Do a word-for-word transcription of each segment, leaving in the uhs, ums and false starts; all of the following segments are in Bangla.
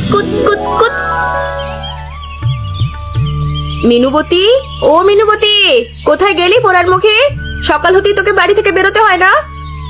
কুত কুত কুত। মিনুবতী, ও মিনুবতী, কোথায় গেলি পোড়ার মুখে? সকাল হতেই তোকে বাড়ি থেকে বেরোতে হয় না?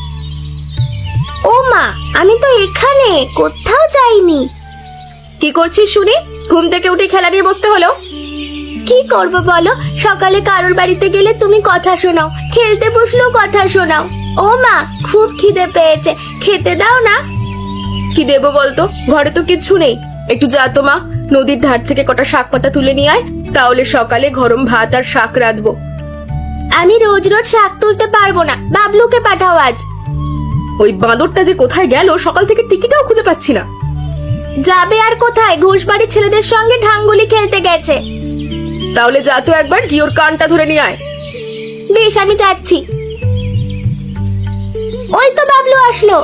ও মা, আমি তো এখানে, কোথাও যাইনি। কি করছিস শুনি? ঘুম থেকে উঠে খেলা নিয়ে বসতে হলো? কি করব বলো, সকালে কারোর বাড়িতে গেলে তুমি কথা শোনাও, খেলতে বসলেও কথা শোনাও। ও মা, খুব খিদে পেয়েছে, খেতে দাও না। কি দেবো বলতো, ঘরে তো কিচ্ছু নেই। একটু যা তো মা, নদীর ধার থেকে কটা শাক পাতা তুলে নিয়ে আয়, তাহলে সকালে গরম ভাত আর শাক রাঁধবো। আমি রোজ রোজ শাক তুলতে পারবো না, বাবলুকে পাঠাও আজ। ওই বাঁদরটা যে কোথায় গেল, সকাল থেকে টিকিটাও খুঁজে পাচ্ছি না। যাবে আর কোথায়, ঘোষবাড়ির ছেলেদের সঙ্গে ঢাঙ্গুলি খেলতে গেছে। তাহলে যা তো একবার গিয়ে ওর কানটা ধরে নিয়ে আয়। বেশ, আমি যাচ্ছি। ওই তো বাবলু আসলো।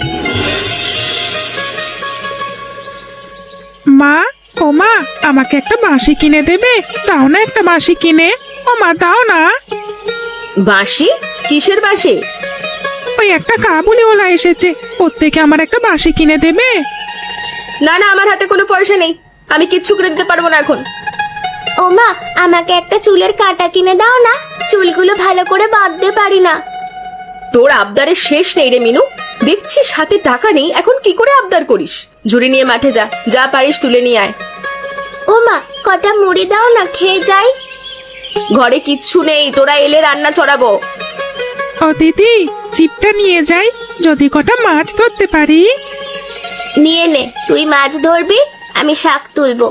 মা, ও মা, আমাকে একটা বাঁশি কিনে দেবে? দাও না একটা বাঁশি কিনে। ও মা, দাও না। বাঁশি? কিসের বাঁশি? ওই একটা কাবুলিওয়ালা এসেছে, ওর থেকে আমার একটা বাঁশি কিনে দেবে? না না, আমার হাতে কোনো পয়সা নেই, আমি কিচ্ছু করে দিতে পারবো না এখন। ও মা, আমাকে একটা চুলের কাঁটা কিনে দাও না, চুলগুলো ভালো করে বাঁধতে পারি না। তোর আবদারের শেষ নেই রে মিনু, দেখছিস হাতে টাকা নেই, এখন কি করে আবদার করিস? ঝুড়ি নিয়ে মাঠে যা, যা পারিস তুলে নিয়ে আয়। ও মা, কটা মুড়ি দাও না, খেয়ে যাই। ঘরে কিচ্ছু নেই, তোরা এলে রান্না চড়াবো। ও দিদি, চিপটা নিয়ে যাই, যদি কটা মাছ ধরতে পারি। নিয়ে নে, তুই মাছ ধরবি, আমি শাক তুলবো।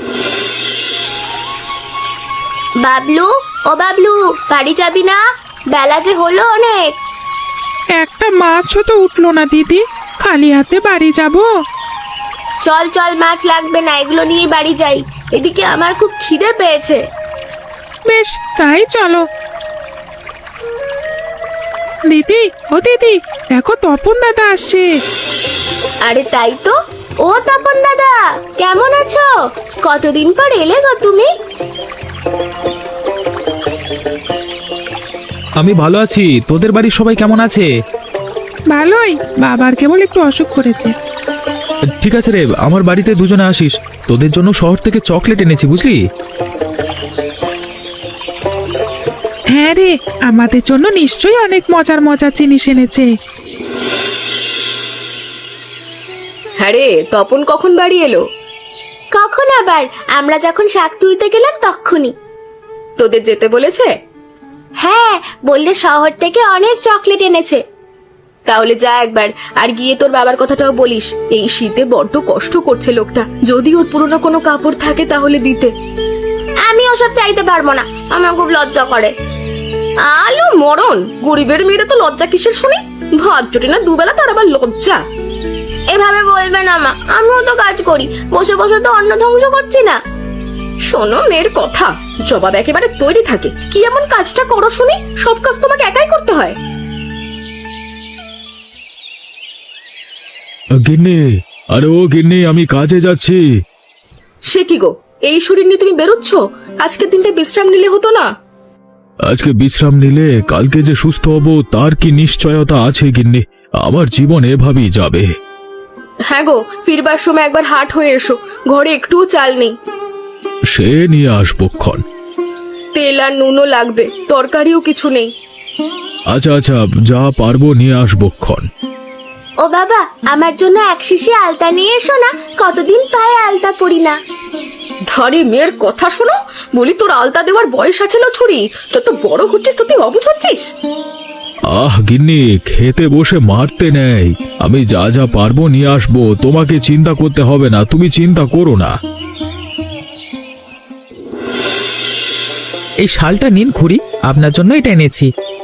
বাবলু, ও বাবলু, বাড়ি যাবি না? বেলা যে হলো অনেক। একটা মাছও তো উঠলো না দিদি, খালি হাতে বাড়ি যাব? চল চল, মাছ লাগবে না, এগুলো নিয়ে বাড়ি যাই। এদিকে আমার খুব খিদে পেয়েছে। বেশ, তাই চলো। দিদি, ও দিদি, দেখো তপন দাদা আসছে। আরে তাই তো। ও তপন দাদা, কেমন আছো? কতদিন পর এলে গো তুমি। আমি ভালো আছি, তোদের বাড়ির সবাই কেমন আছে? ভালোই, বাবার কেবল একটু অসুখ করেছে। ঠিক আছে রে, আমার বাড়িতে দুজনে আসিস, তোদের জন্য শহর থেকে চকলেট এনেছি, বুঝলি? হ্যাঁ রে, আমাদের জন্য নিশ্চয়ই অনেক মজার মজার জিনিস এনেছে। হ্যাঁ রে, তপন কখন বাড়ি এলো? কখন আবার, আমরা যখন শাক তুলতে গেলাম তখনই। তোদের যেতে বলেছে? হ্যাঁ, বললে শহর থেকে অনেক চকলেট এনেছে। তাহলে যা একবার, আর গিয়ে তোর বাবার কথাটাও বলিস, এই শীতে বড্ড কষ্ট করছে লোকটা, যদি ওর পুরনো কোনো কাপড় থাকে তাহলে দিতে। আমি ওসব চাইতে পারবো না, আমার খুব লজ্জা করে। আলো মরণ, গরিবের মেয়েরা তো লজ্জা কিসের শুনি? ভাত জোটে না দুবেলা, তার আবার লজ্জা? এভাবে বলবে না মা, আমিও তো কাজ করি, বসে বসে তো অন্ন ধ্বংস করছি না। শোনো মেয়ের কথা, জবাব একেবারে তৈরি থাকে। কি এমন কাজটা করো শুনি? সব কাজ তোমাকে একাই করতে হয়? গিন্নি, আরে ও গিন্নি, আমি কাজে যাচ্ছি। সে কি গো, এই শরীর নিয়ে তুমি বেরোচ্ছ? আজকের দিনটা বিশ্রাম নিলে হতো না? আজকে বিশ্রাম নিলে কালকে যে সুস্থ হব তার কি নিশ্চয়তা আছে গিন্নি? আমার জীবন এভাবেই যাবে। হ্যাঁ গো, ফিরবার সময় একবার হাট হয়ে এসো, ঘরে একটুও চাল নেই। সে নিয়ে আসবো ক্ষণ। তেল আর নুনও লাগবে, তরকারিও কিছু নেই। আচ্ছা আচ্ছা, যা পারবো নিয়ে আসবো ক্ষণ। ও বাবা, আমার জন্য এক শিশি আলতা নিয়ে এসো না, কতদিন পায়ে আলতা পরি না। ধরে মেয়ের কথা শোনো, বলি তোর আলতা দেওয়ার বয়স আছে না ছুরি? যত বড় হচ্ছিস তো তুই অবুঝ হচ্ছিস। আহ গিন্নি, খেতে বসে মারতে নেই, আমি যা যা পারবো নিয়ে আসবো, তোমাকে চিন্তা করতে হবে না, তুমি চিন্তা করো না। এই শালটা নিন খুড়ি, আপনার জন্য এটা এনেছি।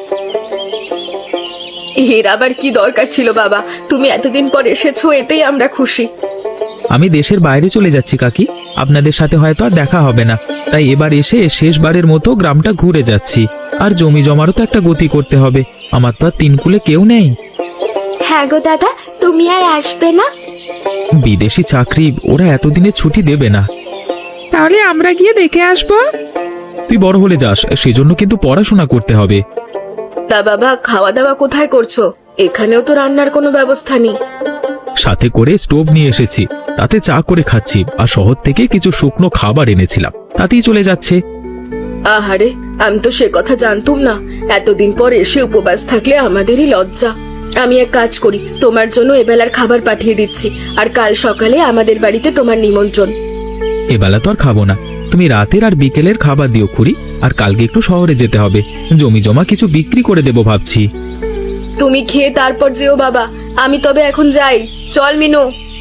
এর আবার কি দরকার ছিল বাবা? তুমি এতদিন পর এসেছো, এতেই আমরা খুশি। আমি দেশের বাইরে চলে যাচ্ছি কাকি, আপনাদের সাথে হয়তো আর দেখা হবে না, তাই এবার এসে শেষবারের মতো গ্রামটা ঘুরে যাচ্ছি। আর জমি জমারও তো একটা গতি করতে হবে, আমার তো আর তিন কুলে কেউ নেই। হ্যাঁ গো দাদা, তুমি আর আসবে না? বিদেশি চাকরি, ওরা এতদিনে ছুটি দেবে না। তাহলে আমরা গিয়ে দেখে আসবো। তুই বড় হলে যাস, সেজন্য কিন্তু পড়াশোনা করতে হবে। তা বাবা, খাওয়া দাওয়া কোথায় করছো? এখানেও তো রান্নার কোনো ব্যবস্থা নেই। সাথে করে স্টোভ নিয়ে এসেছি, তাতে চা করে খাচ্ছি, আর শহর থেকে কিছু শুকনো খাবার এনেছিলাম, তাতেই চলে যাচ্ছে। আহারে, আমি তো সে কথা জানতুম না। এতদিন পর এসে উপবাস থাকলে আমাদেরই লজ্জা। আমি এক কাজ করি, তোমার জন্য এবেলার খাবার পাঠিয়ে দিচ্ছি, আর কাল সকালে আমাদের বাড়িতে তোমার নিমন্ত্রণ। এবেলা তো আর খাবো না, তুমি রাতের আর বিকেলের খাবার দিও খুড়ি। আর কালকে একটু শহরে যেতে হবে, জমি জমা কিছু বিক্রি করে দেবো ভাবছি। তুমি খেয়ে তারপর যেও বাবা, আমি তবে এখন যাই। চল মিনু।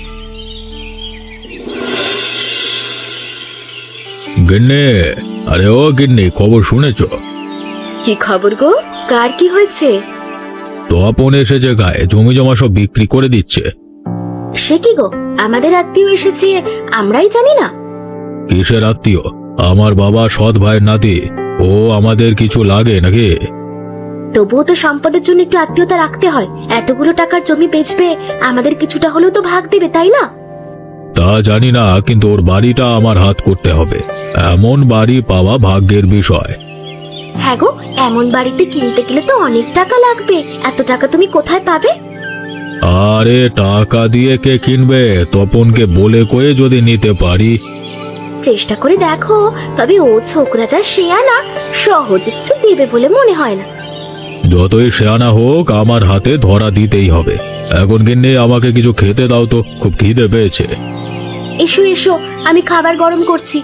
গিন্নি, আরে ও গিন্নি, খবর শুনেছো? কি খবর গো? কার কি হয়েছে? তপন এসেছে গায়ে, জমি জমা সব বিক্রি করে দিচ্ছে। সে কি গো, আমাদের আত্মীয় এসেছে, আমরাই জানি না? কিসের আত্মীয়? আমার বাবা সৎ ভাইয়ের নাতি, ও আমাদের কিছু লাগে নাকি? তবুও তো সম্পদের জন্য একটু আত্মীয়তা রাখতে হয়। এতগুলো টাকার জমি বেচবে, আমাদের কিছুটা হলেও তো ভাগ দেবে, তাই না? তা জানি না, কিন্তু ওর বাড়িটা আমার হাত করতে হবে। এমন বাড়ি পাওয়া ভাগ্যের বিষয়। হ্যাঁ গো, এমন বাড়িতে কিনতে গেলে তো অনেক টাকা লাগবে। এত টাকা তুমি কোথায় পাবে? আরে টাকা দিয়ে কে কিনবে? তপনকে বলে কয়ে যদি নিতে পারি। চেষ্টা করে দেখো, তবে ও ছোকরা যা শেয়ানা, সহজে কিছু দেবে বলে মনে হয় না। যতই শেয়ানা হোক, আমার হাতে ধরা দিতেই হবে। এখন গিন্নি, আমাকে কিছু খেতে দাও তো, খুব খিদে পেয়েছে। এসো এসো, আমি খাবার গরম করছি।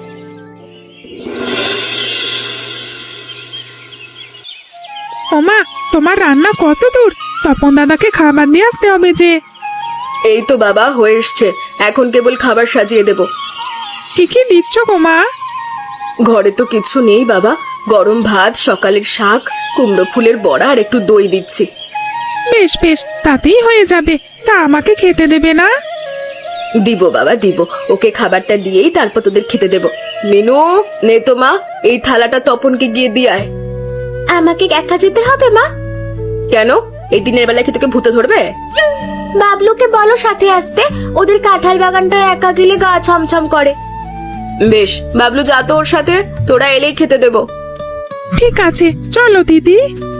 ওমা, তোমার রান্না কত দূর? তপন দাদাকে খাবার দিয়ে আসতে হবে যে। এই তো বাবা হয়ে এসছে, এখন কেবল খাবার সাজিয়ে দেব। কি কি দিচ্ছ গো মা? ঘরে তো কিছু নেই বাবা, গরম ভাত, সকালের শাক, কুমড়ো ফুলের বড়া আর একটু দই দিচ্ছি। বেশ বেশ, তাতেই হয়ে যাবে। তা আমাকে খেতে দেবে না? দিব বাবা দিব, ওকে খাবারটা দিয়েই তারপর তোদের খেতে দেব। মিনু, নে তো মা, এই থালাটা তপনকে গিয়ে দিয়ে আয়। আমাকে একা যেতে হবে মা? কেন? এই দিনের বেলায় কি তোকে ভূতে ধরবে? বাবলুকে বলো সাথে আসতে, ওদের কাঁঠাল বাগানটা একা গেলে গা ছমছম করে। বেশ, বাবলু যা তো ওর সাথে, তোরা এলেই খেতে দেব। ঠিক আছে, চলো দিদি।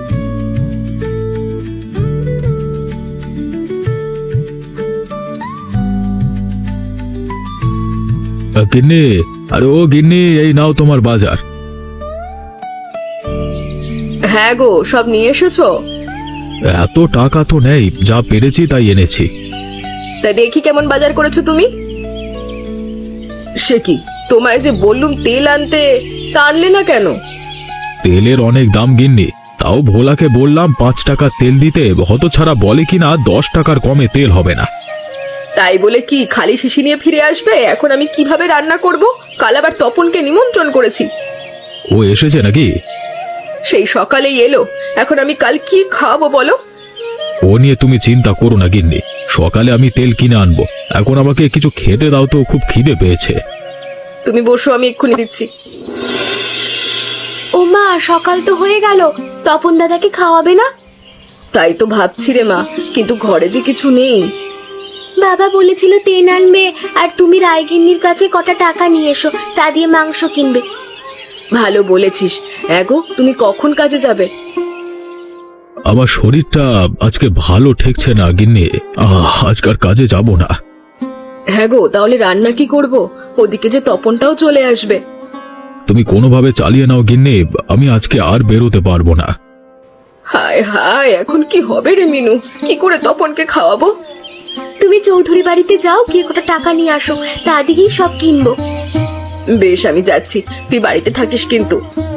গিন্নি, আরে ও গিন্নি, এই নাও তোমার বাজার। হ্যাঁ গো, সব নিয়ে এসেছো? এত টাকা তো নেই, যা পেরেছি তাই এনেছি। তা দেখি কেমন বাজার করেছো তুমি। সে কি, তোমায় যে বললুম তেল আনতে, তা আনলে না কেন? তেলের অনেক দাম গিন্নি, তাও ভোলাকে বললাম পাঁচ টাকা তেল দিতে, হতছাড়া বলে কিনা দশ টাকার কমে তেল হবে না। তাই বলে কি খালি শিশি নিয়ে ফিরে আসবে? এখন আমি কিভাবে রান্না করব? কাল আবার তপনকে নিমন্ত্রণ করেছি। ও এসেছে নাকি? সেই সকালেই এলো, এখন আমি কাল কি খাবো বলো? ও নিয়ে তুমি চিন্তা করো না গিন্নি, সকালে আমি তেল কিনে আনবো। এখন আমাকে কিছু খেতে দাও তো, খুব খিদে পেয়েছে। তুমি বসো, আমি এক্ষুনি দিচ্ছি। ও মা, সকাল তো হয়ে গেল, তপন দাদাকে খাওয়াবে না? তাই তো ভাবছি রে মা, কিন্তু ঘরে যে কিছু নেই। বাবা বলেছিল তেল আনবে, আর তুমি রায়গিন্নির কাছে কটা টাকা নিয়ে এসো, তা দিয়ে মাংস কিনবে। ভালো বলেছিস। এগো, তুমি কখন কাজে যাবে? আমার শরীরটা আজকে ভালো ঠেকছে না গিন্নি, আহ, আজকার কাজে যাব না। হ্যাঁ গো, তাহলে রান্না কি করব? ওদিকে যে তপনটাও চলে আসবে। তুমি কোনোভাবে চালিয়ে নাও গিন্নি, আমি আজকে আর বেরোতে পারবো না। হায় হায়, এখন কি হবে রে মিনু? কি করে তপনকে খাওয়াবো? তুমি চৌধুরী বাড়িতে যাও, গিয়ে কটা টাকা নিয়ে আসো, তা দিয়েই সব কিনবো। বেশ, আমি যাচ্ছি, তুই বাড়িতে থাকিস কিন্তু।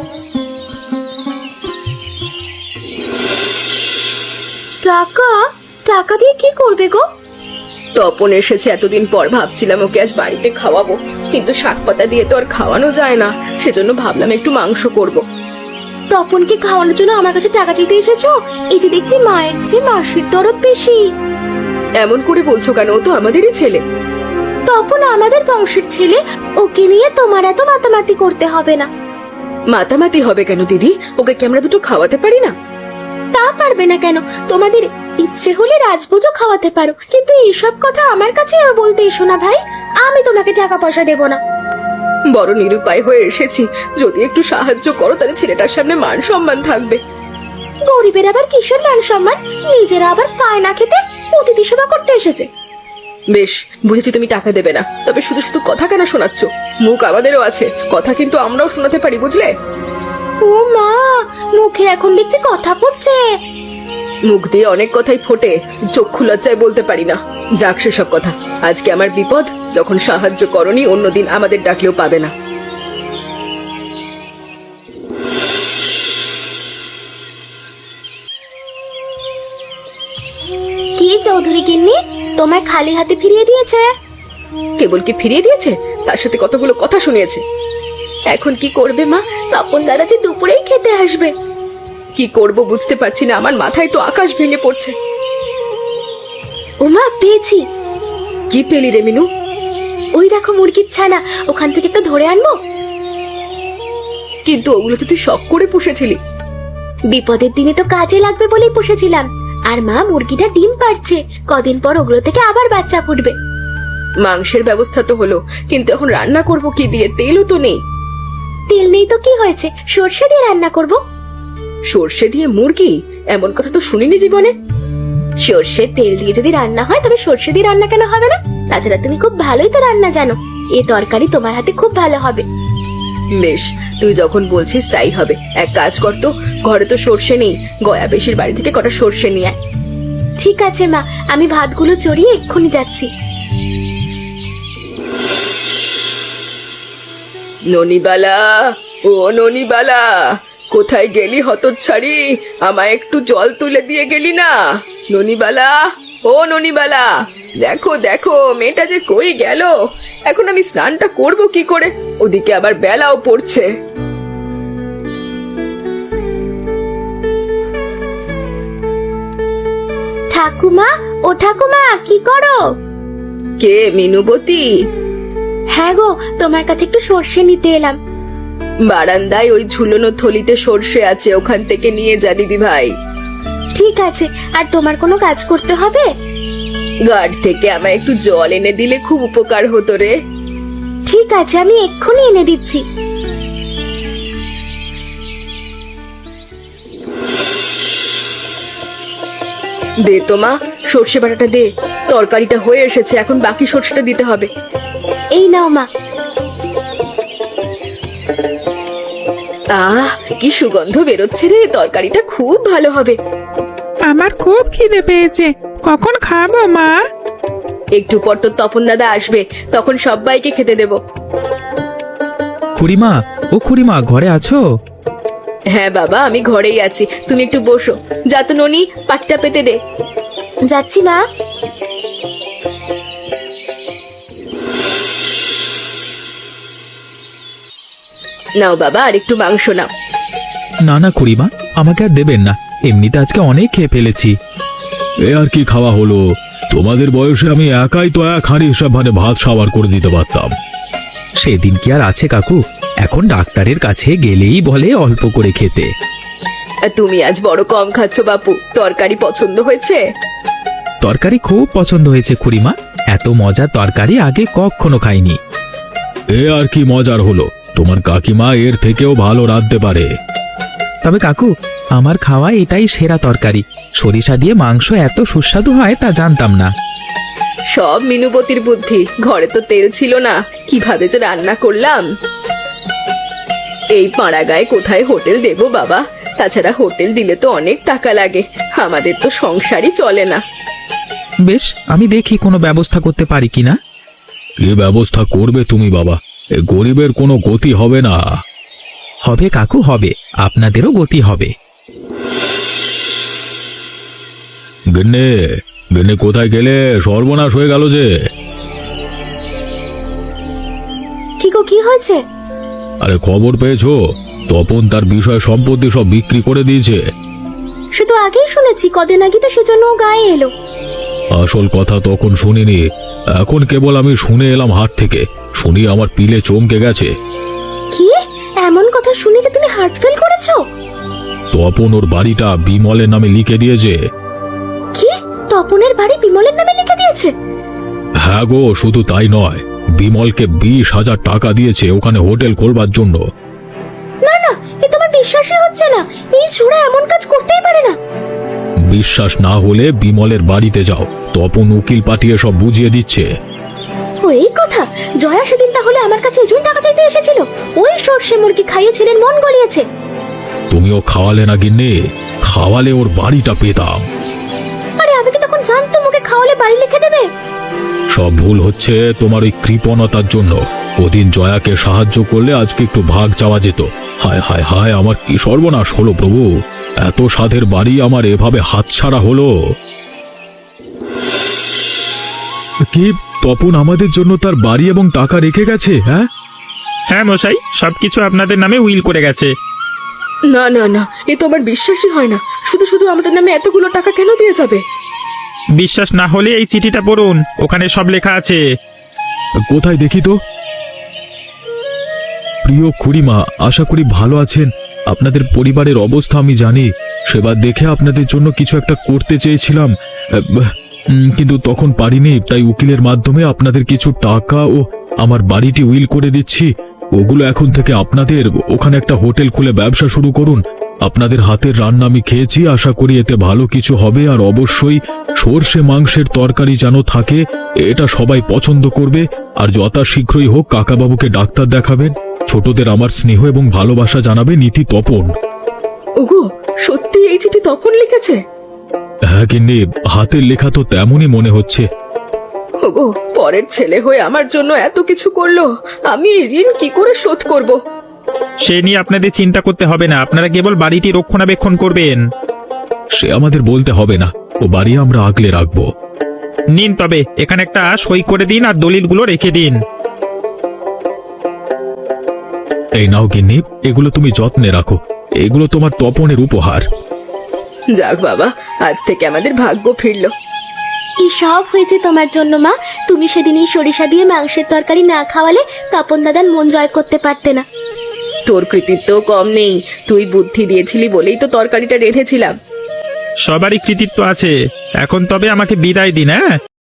টাকা? টাকা দিয়ে কি করবে গো? তপন এসেছে এতদিন পর, ভাবছিলাম ওকে আজ বাড়িতে খাওয়াবো, কিন্তু শাক পাতা দিয়ে তো আর খাওয়ানো যায় না, সেজন্য ভাবলাম একটু মাংস করব। তপনকে খাওয়ানোর জন্য আমার কাছে টাকা চাইতে এসেছো? এই যে দেখছি মায়ের চেয়ে মাসির দরদ বেশি। এমন করে বলছো কেন? ও তো আমাদেরই ছেলে। তপন আমাদের বংশের ছেলে, ওকে নিয়ে তোমার এত মাতামাতি করতে হবে না। মাতামাতি হবে কেন দিদি? ওকে কি আমরা দুটো খাওয়াতে পারি না? তা পারবে না কেন? তোমাদের ইচ্ছে হলে রাজভোজও খাওয়াতে পারো, কিন্তু এইসব কথা আমার কাছে বলতে এসো না ভাই, আমি তোমাকে টাকা পয়সা দেব না। বড় নিরুপায় হয়ে এসেছি, যদি একটু সাহায্য করো তাহলে ছেলেটার সামনে মান সম্মান থাকবে। গরিবের আবার কিসের মান সম্মান? নিজেরা আবার পায় না খেতে অতিথি সেবা করতে এসেছে। বেশ, বুঝেছি তুমি টাকা দেবে না, তবে শুধু শুধু কথা কেন শোনাচ্ছ? মুখ আমাদেরও আছে, কথা কিন্তু আমরাও শোনাতে পারি, বুঝলে? ও মা, মুখে এখন দেখছি কথা পড়ছে। মুখ দিয়ে অনেক কথাই ফোটে, চক্ষু লজ্জায় বলতে পারি না। যাক সেসব কথা, আজকে আমার বিপদ, যখন সাহায্য করনি অন্যদিন আমাদের ডাকলেও পাবে না। কি চৌধুরী গিন্নি, তোমায় খালি হাতে ফিরিয়ে দিয়েছে? কেবল কি ফিরিয়ে দিয়েছে, তার সাথে কতগুলো কথা শুনিয়েছে। এখন কি করবে মা? তপন দাদা যে দুপুরেই খেতে আসবে। কি করব বুঝতে পারছি না, আমার মাথায় তো আকাশ ভেঙে পড়ছে। ও মা, পেয়েছি। কি পেলি রে মিনু? ওই দেখো মুরগির ছানা, ওখান থেকে একটা ধরে আনবো। কিন্তু ওগুলো তো তুই শখ করে পুষেছিলি। বিপদের দিনে তো কাজে লাগবে বলেই পুষেছিলাম। আর মা, মুরগিটা ডিম পাড়ছে, কদিন পর ওগুলো থেকে আবার বাচ্চা ফুটবে। মাংসের ব্যবস্থা তো হলো, কিন্তু এখন রান্না করব কি দিয়ে? তেলও তো নেই। তেল নেই তো কি হয়েছে, সর্ষে দিয়ে রান্না করব। সর্ষে দিয়ে মুরগি? এমন কথা তো শুনিনি জীবনে। সর্ষের তেল দিয়ে যদি রান্না হয়, তবে সর্ষে দিয়ে রান্না কেন হবে না? তাছাড়া তুমি খুব ভালোই তো রান্না জানো, এ তরকারি তোমার হাতে খুব ভালো হবে। বেশ, তুই যখন বলছিস তাই হবে। এক কাজ কর তো, ঘরে তো সর্ষে নেই, গয়া বেশির বাড়ি থেকে কটা সর্ষে নিয়ে আয়। ঠিক আছে মা, আমি ভাতগুলো চড়িয়ে এক্ষুনি যাচ্ছি। ননিবালা, ও ননিবালা, কোথায় গেলি হতচ্ছাড়ি? আমায় একটু জল তুলে দিয়ে গেলি না? ননিবালা, ও ননিবালা, দেখো দেখো মেয়েটা যে কই গেল। এখন আমি স্নানটা করব কি করে? ওদিকে আবার বেলাও পড়ছে। ঠাকুমা, ও ঠাকুমা, কি করো? কে? মিনুবতী? হ্যাঁ গো, তোমার কাছে একটু সর্ষে নিতে এলাম। বারান্দায় ওই ঝুলনো থলিতে সর্ষে আছে, ওখান থেকে নিয়ে যা দিদি ভাই। ঠিক আছে, আর তোমার কোনো কাজ করতে হবে? গাড় থেকে আমায় একটু জল এনে দিলে খুব উপকার হতো রে। ঠিক আছে, আমি এক্ষুনি এনে দিচ্ছি। দে তো মা, সর্ষে বাটাটা দে। তরকারিটা হয়ে এসেছে, এখন বাকি সর্ষেটা দিতে হবে। এই নাও মা। আহ, কি সুগন্ধ বেরোচ্ছে রে, তরকারিটা খুব ভালো হবে। আমার খুব খিদে পেয়েছে, কখন খাবো মা? একটু পর তো তপন দাদা আসবে, তখন সবাইকে খেতে দেব। খুড়িমা, ও খুড়িমা, ঘরে আছো? হ্যাঁ বাবা, আমি ঘরেই আছি, তুমি একটু বসো। যা তো ননি, পাটিটা পেতে দে। যাচ্ছি মা। নাও বাবা, আর একটু মাংস নাও। না না খুড়িমা, আমাকে আর দেবেন না, এমনিতে আজকে অনেক খেয়ে ফেলেছি। এ আর কি খাওয়া হলো? তোমাদের বয়সে আমি একাই তো এক হাঁড়ি হিসাব মানে ভাত সাবার করে দিতে পারতাম। সেদিন কি আর আছে কাকু, এখন ডাক্তারের কাছে গেলেই বলে অল্প করে খেতে। আর তুমি আজ বড় কম খাচ্ছ বাপু, তরকারি পছন্দ হয়েছে? তরকারি খুব পছন্দ হয়েছে খুড়িমা, এত মজার তরকারি আগে কখনো খাইনি। এ আর কি মজার হলো? তোমার কাকিমা এর থেকেও ভালো রাঁধতে পারে। তবে কাকু, আমার খাওয়া এটাই সেরা তরকারি। সরিষা দিয়ে মাংস এত সুস্বাদু হয় তা জানতাম না। সব মিনুবতীর বুদ্ধি, ঘরে তো তেল ছিল না, কিভাবে যে রান্না করলাম। এই পাড়া গায়ে কোথায় হোটেল দেব বাবা? তাছাড়া হোটেল দিলে তো অনেক টাকা লাগে, আমাদের তো সংসারই চলে না। বেশ, আমি দেখি কোনো ব্যবস্থা করতে পারি কিনা। কি ব্যবস্থা করবে তুমি বাবা? এ গরিবের কোনো গতি হবে না। হবে কাকু, হবে, আপনাদেরও গতি হবে। গিন্নে, গিন্নে কোথায় গেলে? সর্বনাশ হয়ে গেল যে। কি গো, কি হয়েছে? আরে খবর পেয়েছো? তপন তার বিষয় সম্পত্তি সব বিক্রি করে দিয়েছে। সে তো আগেই শুনেছি, কদিন আগে তো সেজন্য ও গায়ে এলো। আসল কথা তখন শুনিনি, এখন কেবল আমি শুনে এলাম হাট থেকে। শুনি আমার পিলে চমকে গেছে। কি এমন কথা শুনে যে তুমি হার্ট ফেল করেছো? তপন ওর বাড়িটা বিমলের নামে লিখে দিয়েছে। কি, তপনের বাড়ি বিমলের নামে লিখে দিয়েছে? হ্যাঁ গো, শুধু তাই নয়, বিমলকে বিশ হাজার টাকা দিয়েছে ওখানে হোটেল খোলবার জন্য। না না, এ তোমার বিশ্বাসই হচ্ছে না, এই ছোড়া এমন কাজ করতেই পারে না। বিশ্বাস না হলে বিমলের বাড়িতে যাও, তপন উকিল পাঠিয়ে সব বুঝিয়ে দিচ্ছে। ও এই কথা, জয়া সেদিন তাহলে আমার কাছে এজন্য টাকা চাইতে এসেছিল। ওই সর্ষে মুরগি খাইয়ে ছেলের মন গলিয়েছে। তুমিও খাওয়ালে না গিন্নি, খাওয়ালে ওর বাড়িটা পেতাম। আরে আমি কি তখন জানতো মুখে খাওয়ালে বাড়ি লিখে দেবে? সব ভুল হচ্ছে তোমার ওই কৃপণতার জন্য। ওদিন জয়াকে সাহায্য করলে আজকে একটু ভাগ চাওয়া যেত। হায় হায় হায়, আমার কি সর্বনাশ হলো প্রভু! এত সাধের বাড়ি আমার এভাবে হাতছাড়া হলো। কি তপন আমাদের জন্য তার বাড়ি এবং টাকা রেখে গেছে? হ্যাঁ হ্যাঁ মশাই, সবকিছু আপনাদের নামে উইল করে গেছে। না না না, এ তো আমার বিশ্বাসই হয় না। শুধু শুধু আমাদের নামে এতগুলো টাকা কেন দিয়ে যাবে? বিশ্বাস না হলে এই চিঠিটা পড়ুন, ওখানে সব লেখা আছে। কোথায় দেখি তো। প্রিয় খুড়িমা, আশা করি ভালো আছেন। আপনাদের পরিবারের অবস্থা আমি জানি। সেবার দেখে আপনাদের জন্য কিছু একটা করতে চেয়েছিলাম, উম, কিন্তু তখন পারিনি। তাই উকিলের মাধ্যমে আপনাদের কিছু টাকা ও আমার বাড়িটি উইল করে দিচ্ছি। ওগুলো এখন থেকে আপনাদের। ওখানে একটা হোটেল খুলে ব্যবসা শুরু করুন। আপনাদের হাতের রান্না আমি খেয়েছি, আশা করি এতে ভালো কিছু হবে। আর অবশ্যই সর্ষে মাংসের তরকারি যেন থাকে, এটা সবাই পছন্দ করবে। আর যথাশীঘ্রই হোক কাকাবাবুকে ডাক্তার দেখাবেন। ছোটদের আমার স্নেহ এবং ভালোবাসা জানাবে, নীতি তপন। ওগো, সত্যি এই চিঠি তপন লিখেছে? হ্যাঁ গিন্নি, হাতের লেখা তো তেমনই মনে হচ্ছে। ওগো, পরের ছেলে হয়ে আমার জন্য এত কিছু করলো, আমি এই ঋণ কি করে শোধ করব? সে নিয়ে আপনাদের চিন্তা করতে হবে না, আপনারা কেবল বাড়িটি রক্ষণাবেক্ষণ করবেন। সে আমাদের বলতে হবে না, ও বাড়ি আমরা আগলে রাখবো। নিন তবে এখানে একটা সই করে দিন আর দলিলগুলো রেখে দিন। এই নাও গিন্নি, এগুলো তুমি যত্নে রাখো। এগুলো তোমার তপনের উপহার। যাক বাবা, আজ থেকে আমাদের ভাগ্য ফিরলো। এই সব হয়েছে তোমার জন্য মা। তুমি সেদিন এই সরিষা দিয়ে মাংসের তরকারি না খাওয়ালে তপন দাদার মন জয় করতে পারতে না। তোর কৃতিত্ব কম নেই, তুই বুদ্ধি দিয়েছিলি বলেই তো তরকারিটা রেঁধেছিলাম। সবারই কৃতিত্ব আছে। এখন তবে আমাকে বিদায় দিন। হ্যাঁ।